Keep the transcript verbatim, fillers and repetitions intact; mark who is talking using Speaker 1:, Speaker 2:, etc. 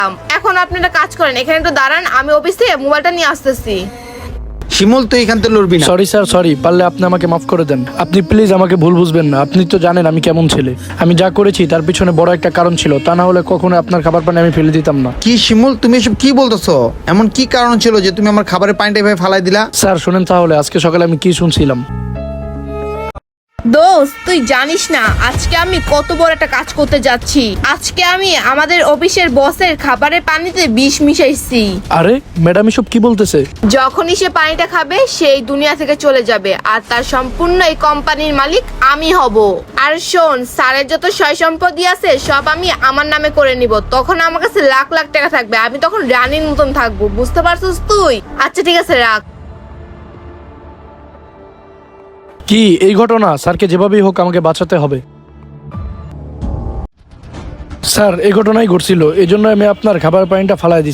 Speaker 1: এখন আপনারা কাজ করেন, এখানে একটু দাঁড়ান, আমি অফিস থেকে মোবাইলটা নিয়ে আসতেছি।
Speaker 2: শিমুল তুই এখান থেকে লড়বি না।
Speaker 3: Sorry sir, sorry. পারলে আপনি আমাকে মাফ করে দেন। আপনি প্লিজ আমাকে ভুল বুঝবেন না। আপনি তো জানেন আমি কেমন ছেলে। আমি যা করেছি তার পিছনে বড় একটা কারণ ছিল, তা না হলে কখনো আপনার খাবার পানি আমি ফেলে দিতাম না।
Speaker 2: কি শিমুল তুমি এসব কি বলতেছো? এমন কি কারণ ছিল যে তুমি আমার খাবারের পানিটা এভাবে ফালাই দিলা?
Speaker 3: স্যার শোনেন তাহলে, আজকে সকালে আমি কি শুনছিলাম।
Speaker 1: দোস্ত তুই জানিস না আজকে আমি কত বড় একটা কাজ করতে যাচ্ছি। আজকে আমি আমাদের অফিসের বসের খাবারের পানিতে বিষ মিশাইছি।
Speaker 3: আরে ম্যাডাম এসব কি বলতেছে?
Speaker 1: যখনই সে পানিটা খাবে সেই দুনিয়া থেকে চলে যাবে, আর তার সম্পূর্ণ এই কোম্পানির মালিক আমি হব। আর শোন, স্যারের যত সয় সম্পত্তি আছে সব আমি আমার নামে করে নিব। তখন আমার কাছে লাখ লাখ টাকা থাকবে, আমি তখন রানীর মতন থাকবো। বুঝতে পারছিস তুই? আচ্ছা ঠিক আছে, রাখ।
Speaker 3: কি এই ঘটনা? স্যারকে যেভাবেই হোক আমাকে বাঁচাতে হবে। স্যার এই ঘটনাই ঘটছিল, এই জন্য আমি আপনার খাবার পানিটা ফালাই দিচ্ছি।